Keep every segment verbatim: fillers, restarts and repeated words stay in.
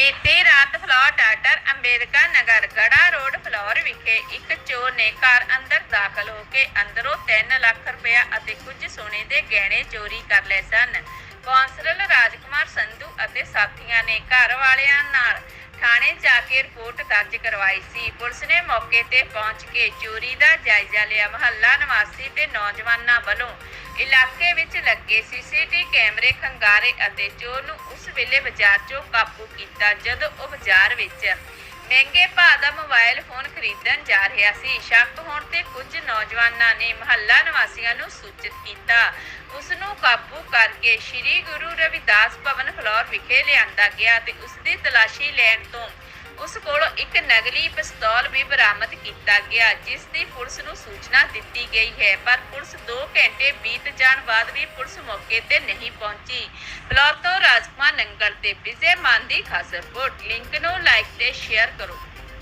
ਬੀਤੀ ਰਾਤ Phillaur doctor Ambedkar Nagar Garha road Phillaur ਵਿਖੇ ਇੱਕ ਚੋਰ ਨੇ ਘਰ ਅੰਦਰ ਦਾਖਲ ਹੋ ਕੇ ਅੰਦਰੋਂ ਤਿੰਨ ਲੱਖ ਰੁਪਇਆ ਅਤੇ ਕੁਝ ਸੋਨੇ ਦੇ ਗਹਿਣੇ ਚੋਰੀ ਕਰ ਲਏ ਸਨ। ਕੌਂਸਲਰ ਰਾਜਕੁਮਾਰ ਸੰਧੂ ਅਤੇ ਸਾਥੀਆਂ ਨੇ ਘਰ ਵਾਲਿਆਂ ਨਾਲ ਥਾਣੇ ਜਾ ਕੇ ਰਿਪੋਰਟ ਦਰਜ ਕਰਵਾਈ ਸੀ। ਪੁਲਿਸ ਨੇ ਮੌਕੇ ਤੇ ਪਹੁੰਚ ਕੇ ਚੋਰੀ ਦਾ ਜਾਇਜ਼ਾ ਲਿਆ। ਮੁਹੱਲਾ ਨਿਵਾਸੀ ਤੇ ਨੌਜਵਾਨਾਂ ਵੱਲੋਂ ਇਲਾਕੇ ਵਿੱਚ ਲੱਗੇ ਸੀਸੀਟੀਵੀ ਕੈਮਰੇ ਖੰਗਾਰੇ ਅਤੇ ਚੋਰ ਨੂੰ ਉਸ ਵੇਲੇ ਬਾਜ਼ਾਰ 'ਚੋਂ ਕਾਬੂ ਕੀਤਾ ਜਦੋਂ ਉਹ ਬਾਜ਼ਾਰ ਵਿੱਚ ਮਹਿੰਗੇ ਭਾਅ ਦਾ ਮੋਬਾਈਲ ਫੋਨ ਖਰੀਦਣ ਜਾ ਰਿਹਾ ਸੀ। ਸ਼ੱਕ ਹੋਣ ਤੇ ਕੁਝ ਨੌਜਵਾਨਾਂ ਨੇ ਮੁਹੱਲਾ ਨਿਵਾਸੀਆਂ ਨੂੰ ਸੂਚਿਤ ਕੀਤਾ। ਉਸ ਨੂੰ ਕਾਬੂ ਕਰਕੇ ਸ਼੍ਰੀ ਗੁਰੂ ਰਵਿਦਾਸ ਭਵਨ ਫਲੋਰ ਵਿਖੇ ਲਿਆਂਦਾ ਗਿਆ ਤੇ ਉਸ ਦੀ ਤਲਾਸ਼ੀ ਲੈਣ ਤੋਂ ਉਸ ਕੋਲੋਂ ਇੱਕ ਨਕਲੀ ਪਿਸਤੌਲ ਵੀ ਬਰਾਮਦ ਕੀਤਾ ਗਿਆ, ਜਿਸ ਦੀ ਪੁਲਿਸ ਨੂੰ ਸੂਚਨਾ ਦਿੱਤੀ ਗਈ ਹੈ। ਪਰ ਪੁਲਿਸ ਦੋ ਘੰਟੇ ਬੀਤ ਜਾਣ ਬਾਅਦ ਵੀ ਪੁਲਿਸ ਮੌਕੇ ਤੇ ਨਹੀਂ ਪਹੁੰਚੀ। ਫਲੋਰ ਤੋਂ ਰਾਜਕੁਮਾਰ ਨੰਗਲ ਤੇ ਵਿਜੇ ਮਾਨ ਦੀ ਖਾਸ ਰਿਪੋਰਟ। ਲਿੰਕ ਨੂੰ ਲਾਈਕ ਤੇ ਸ਼ੇਅਰ ਕਰੋ।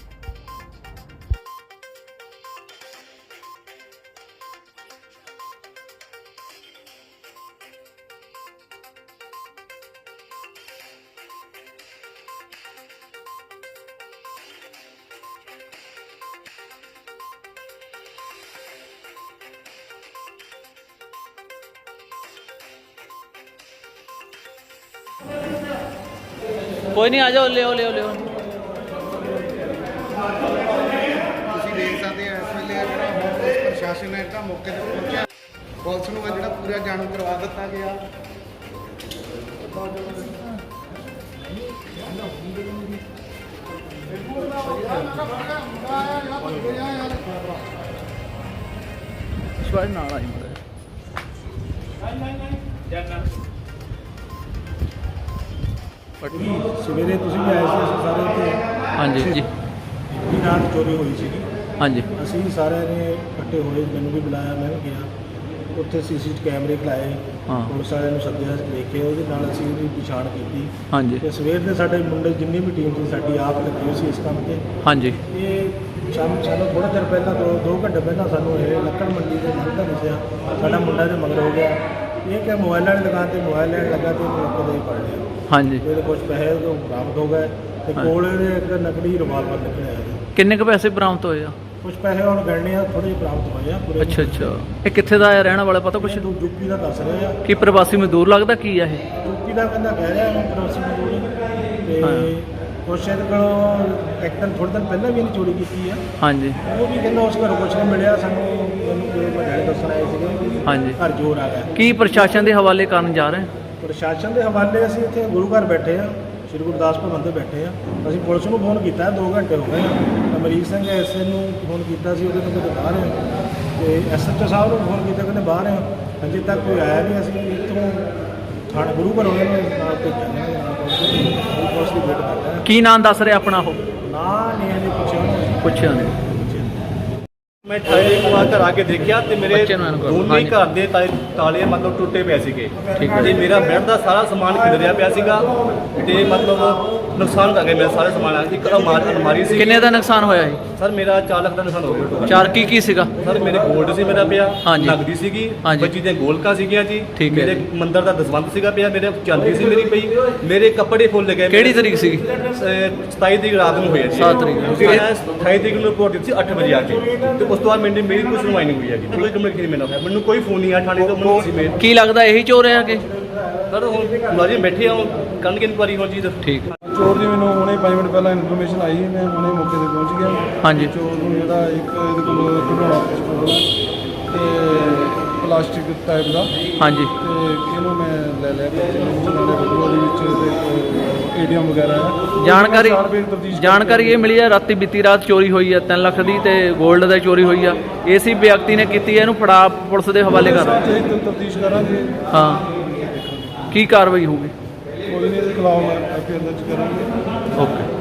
कोई नहीं, आ जाओ, ले ले ले ਤੁਸੀਂ ਦੇਖ ਸਕਦੇ ਹੋ ਇਸ ਵੇਲੇ ਜਿਹੜਾ ਹੁਣ ਪੁਲਿਸ ਪ੍ਰਸ਼ਾਸਨ ਹੈ ਜਿਹੜਾ ਮੌਕੇ ਤੇ ਪਹੁੰਚਿਆ। ਪੁਲਿਸ ਨੂੰ ਜਿਹੜਾ ਪੂਰਾ ਜਾਣੂ ਕਰਵਾ ਦਿੱਤਾ ਗਿਆ। ਸਵੇਰੇ ਤੁਸੀਂ ਵੀ ਆਏ ਸੀ, ਅਸੀਂ ਸਾਰੇ ਇੱਥੇ। ਹਾਂਜੀ ਜੀ, ਵੀ ਰਾਤ ਚੋਰੀ ਹੋਈ ਸੀਗੀ। ਹਾਂਜੀ ਅਸੀਂ ਵੀ ਸਾਰਿਆਂ ਨੇ ਇਕੱਠੇ ਹੋਏ, ਮੈਨੂੰ ਵੀ ਬੁਲਾਇਆ, ਮੈਂ ਵੀ ਗਿਆ। ਉੱਥੇ ਸੀਸੀਟੀਵੀ ਕੈਮਰੇ ਖਲਾਏ, ਹਾਂ। ਪੁਲਿਸ ਵਾਲਿਆਂ ਨੂੰ ਸੱਦਿਆ, ਦੇਖੇ, ਉਹਦੇ ਨਾਲ ਅਸੀਂ ਉਹਦੀ ਪਛਾਣ ਕੀਤੀ। ਹਾਂਜੀ ਤੇ ਸਵੇਰ ਦੇ ਸਾਡੇ ਮੁੰਡੇ ਜਿੰਨੀ ਵੀ ਟੀਮ ਸੀ ਸਾਡੀ ਆਪ ਲੱਗੀ ਹੋਈ ਸੀ ਇਸ ਕੰਮ ਤੇ। ਹਾਂਜੀ ਇਹ ਸਾਨੂੰ ਸਾਨੂੰ ਥੋੜ੍ਹਾ ਚਿਰ ਪਹਿਲਾਂ ਦੋ ਦੋ ਘੰਟੇ ਪਹਿਲਾਂ ਸਾਨੂੰ ਇਹ ਲੱਕੜ ਮੰਡੀ ਦੇ ਮੰਦਰ ਦੱਸਿਆ, ਸਾਡਾ ਮੁੰਡਾ ਦੇ ਮਗਰ ਹੋ ਗਿਆ। ਇਹ ਕਿ ਮੋਬਾਈਲਾਂ ਦੀ ਦੁਕਾਨ ਤੇ ਮੋਬਾਈਲ ਲੈਣ ਲੱਗਾ ਤੇ ਇਹਨੂੰ ਮੌਕੇ ਤੇ ਹੀ ਫੜ ਲਿਆ। ਹਾਂਜੀ ਇਹਦੇ ਕੁਝ ਪੈਸੇ ਉਹ ਬਰਾਮਦ ਹੋ ਗਏ ਤੇ ਕੋਲ ਇਹਦੇ ਇੱਕ ਨਕਲੀ ਰਿਵਾਲਵਰ ਨਿਕਲਿਆ ਜੀ। ਕਿੰਨੇ ਕੁ ਪੈਸੇ ਬਰਾਮਦ ਹੋਏ ਆ? ਕੁਝ ਪੈਸੇ ਹੁਣ ਗਣਨੇ ਆ, ਥੋੜੇ ਜਿਹੇ ਬਰਾਮਦ ਹੋਏ ਆ ਪੂਰੇ। ਅੱਛਾ ਅੱਛਾ, ਇਹ ਕਿੱਥੇ ਦਾ ਆ ਰਹਿਣ ਵਾਲਾ ਪਤਾ ਕੁਛ? ਕੁਝ ਯੂਪੀ ਦਾ ਦੱਸ ਰਹੇ ਆ। ਕੀ ਪ੍ਰਵਾਸੀ ਮਜ਼ਦੂਰ ਲੱਗਦਾ ਕੀ ਆ ਇਹ? ਯੂਪੀ ਦਾ ਕਹਿੰਦਾ ਕਹਿ ਰਿਹਾ ਮੈਂ ਪ੍ਰਵਾਸੀ ਮਜ਼ਦੂਰ ਤੇ ਕੁਛ ਇਹਦੇ ਕੋਲੋਂ ਇੱਕ ਦਿਨ ਥੋੜ੍ਹੇ ਦਿਨ ਪਹਿਲਾਂ ਵੀ ਇਹਨੇ ਚੋਰੀ ਕੀਤੀ ਆ। ਹਾਂਜੀ ਉਹ ਵੀ ਕਹਿੰਦਾ ਉਸ ਘਰੋਂ ਕੁਛ ਨਹੀਂ ਮਿਲਿਆ ਸਾਨੂੰ। ਮੈਨੂੰ ਕੋਈ ਵੱਡੇ ਦੱਸਣ ਆਏ ਸੀਗੇ ਵੀ ਹਾਂਜੀ, ਘਰ ਜੋਰ ਆ ਗਿਆ। ਕੀ ਪ੍ਰਸ਼ਾਸਨ ਦੇ ਹਵਾਲੇ ਕਰਨ ਜਾ ਰਹੇ? ਪ੍ਰਸ਼ਾਸਨ ਦੇ ਹਵਾਲੇ ਅਸੀਂ ਇੱਥੇ ਗੁਰੂ ਘਰ ਬੈਠੇ ਆ, ਸ਼੍ਰੀ ਗੁਰਦਾਸ ਭਵਨ ਤੇ ਬੈਠੇ ਆ। ਅਸੀਂ ਪੁਲਿਸ ਨੂੰ ਫੋਨ ਕੀਤਾ, ਦੋ ਘੰਟੇ ਹੋ ਗਏ ਆ। ਅਮਰੀਕ ਸਿੰਘ ਐਸਏ ਨੂੰ ਫੋਨ ਕੀਤਾ ਸੀ, ਉਹਦੇ ਤੋਂ ਕਿਤੇ ਬਾਹਰ ਆ। ਤੇ ਐਸਐਚਓ ਸਾਹਿਬ ਨੂੰ ਫੋਨ ਕੀਤਾ, ਕਹਿੰਦੇ ਬਾਹਰ ਆ, ਅਜੇ ਤੱਕ ਕੋਈ ਆਇਆ ਨਹੀਂ। ਅਸੀਂ ਇੱਥੋਂ ਥਾਣੇ ਗੁਰੂ ਘਰ ਉਹਨਾਂ ਨੂੰ ਨਾਲ ਭੇਜਾਂਗੇ, ਪੁਲਿਸ ਦੀ ਵੇਟ ਕਰ ਰਹੇ ਆ। ਕੀ ਨਾਂ ਦੱਸ ਰਿਹਾ ਆਪਣਾ ਉਹ? ਨਾ ਨਹੀਂ ਇਹਨੇ ਪੁੱਛਿਆ ਉਹਨੂੰ। ਪੁੱਛਿਆ ਨੇ। ਮੈਂ ਠਾਏ ਇੱਕ ਵਾਰ ਘਰ ਆ ਕੇ ਦੇਖਿਆ ਤੇ ਮੇਰੇ ਬੱਚੇ ਨੂੰ ਅਨੁਕੂਲ, ਦੋਨੇ ਹਾਂਜੀ। ਘਰ ਦੇ ਤਾਲੇ ਤਾਲੇ ਮਤਲਬ ਟੁੱਟੇ ਪਏ ਸੀਗੇ। ਠੀਕ ਹੈ। ਤੇ ਮੇਰਾ ਬੈੱਡ ਦਾ ਸਾਰਾ ਸਮਾਨ ਖਿਲਰਿਆ ਪਿਆ ਸੀਗਾ ਤੇ ਮਤਲਬ ਨੁਕਸਾਨ ਕਰ ਗਿਆ ਮੇਰਾ ਸਾਰਾ ਸਮਾਨ। ਇੱਕ ਅਲਮਾਰੀ ਅਲਮਾਰੀ ਸੀ। ਕਿੰਨੇ ਦਾ ਨੁਕਸਾਨ ਹੋਇਆ ਜੀ? ਸਰ ਮੇਰਾ ਚਾਰ ਲੱਖ ਦਾ ਨੁਕਸਾਨ ਹੋ ਗਿਆ ਟੋਟਲ। ਚਾਰ ਕੀ ਕੀ ਸੀਗਾ? ਸਰ ਮੇਰੇ ਗੋਲਡ ਸੀ ਮੇਰਾ ਪਿਆ, ਹਾਂਜੀ। ਨਗਦੀ ਸੀਗੀ, ਹਾਂਜੀ। ਬੱਚੀ ਦੀਆਂ ਗੋਲਕਾਂ ਸੀਗੀਆਂ ਜੀ। ਠੀਕ ਹੈ। ਮੇਰੇ ਮੰਦਰ ਦਾ ਦਸਵੰਧ ਸੀਗਾ ਪਿਆ, ਮੇਰੇ ਚਾਂਦੀ ਸੀ ਮੇਰੀ ਪਈ, ਮੇਰੇ ਕੱਪੜੇ ਫੁੱਲ ਗਏ। ਕਿਹੜੀ ਤਰੀਕ ਸੀਗੀ? ਸਤਾਈ ਤਰੀਕ ਰਾਤ ਨੂੰ ਹੋਇਆ ਜੀ। ਸੱਤ ਤਰੀਕ ਨੂੰ। ਮੈਂ ਅਠਾਈ ਤਰੀਕ ਨੂੰ ਰਿਪੋਰਟ ਦਿੱਤੀ ਸੀ ਅੱਠ ਵਜੇ ਆ ਕੇ। ਤੇ ਉਸ ਤੋਂ ਬਾਅਦ ਮੈਨੂੰ ਮੇਰੀ ਕੋਈ ਸੁਣਵਾਈ ਨਹੀਂ ਹੋਈ ਹੈਗੀ। ਕੋਈ ਕਮਿਊਨੀਕੇਸ਼ਨ ਮੈਨੂੰ ਹੋਇਆ, ਮੈਨੂੰ ਕੋਈ ਫੋਨ ਨਹੀਂ ਆਇਆ ਥਾਣੇ ਤੋਂ। ਮੈਨੂੰ ਸੀ ਮੇਲ ਕੀ ਲੱਗਦਾ ਇਹੀ ਚੋਰ ਆ ਕਿ? ਸਰ ਹੁਣ ਮੁਲਾਜ਼ਮ ਬੈਠੇ ਆ, ਕਰਨਗੇ ਇਨਕੁਆਰੀ ਹੁਣ ਜੀ। ਠੀਕ। ਚੋਰ ਦੀ ਮੈਨੂੰ ਹੁਣੇ ਪੰਜ ਮਿੰਟ ਪਹਿਲਾਂ ਇਨਫੋਰਮੇਸ਼ਨ ਆਈ, ਮੈਂ ਹੁਣੇ ਮੌਕੇ ਤੇ ਪਹੁੰਚ ਗਿਆ। ਹਾਂਜੀ। ਚੋਰ ਨੂੰ ਜਿਹੜਾ ਇੱਕ ਇਹਦੇ ਕੋਲ ਖਿਡੌਣਾ ਪਿਸਤੌਲ ਤੇ ਪਲਾਸਟਿਕ ਟਾਈਪ ਦਾ, ਹਾਂਜੀ ਤੇ ਇਹਨੂੰ ਮੈਂ ਲੈ ਲਿਆ। ਉਹਦੇ ਵਿੱਚ ਏਟੀਐਮ ਵਗੈਰਾ ਹੈ। ਜਾਣਕਾਰੀ ਚਾਰ ਰੁਪਏ ਦੀ ਤਫਤੀਸ਼ ਜਾਣਕਾਰੀ ਇਹ ਮਿਲੀ ਆ ਰਾਤੀ ਬੀਤੀ ਰਾਤ ਚੋਰੀ ਹੋਈ ਆ ਤਿੰਨ ਲੱਖ ਦੀ ਤੇ 골ਡ ਦਾ ਚੋਰੀ ਹੋਈ ਆ। ਇਸੇ ਵਿਅਕਤੀ ਨੇ ਕੀਤੀ ਹੈ, ਇਹਨੂੰ ਫੜਾ ਪੁਲਿਸ ਦੇ ਹਵਾਲੇ ਕਰ। ਤਫਤੀਸ਼ ਕਰਾਂਗੇ। ਹਾਂ, ਕੀ ਕਾਰਵਾਈ ਹੋਊਗੀ? ਕੋਈ ਨਹੀਂ, ਇਹਦੇ ਖਿਲਾਫ ਐਫ ਆਈ ਆਰ ਦਰਜ ਕਰਾਂਗੇ। ਓਕੇ।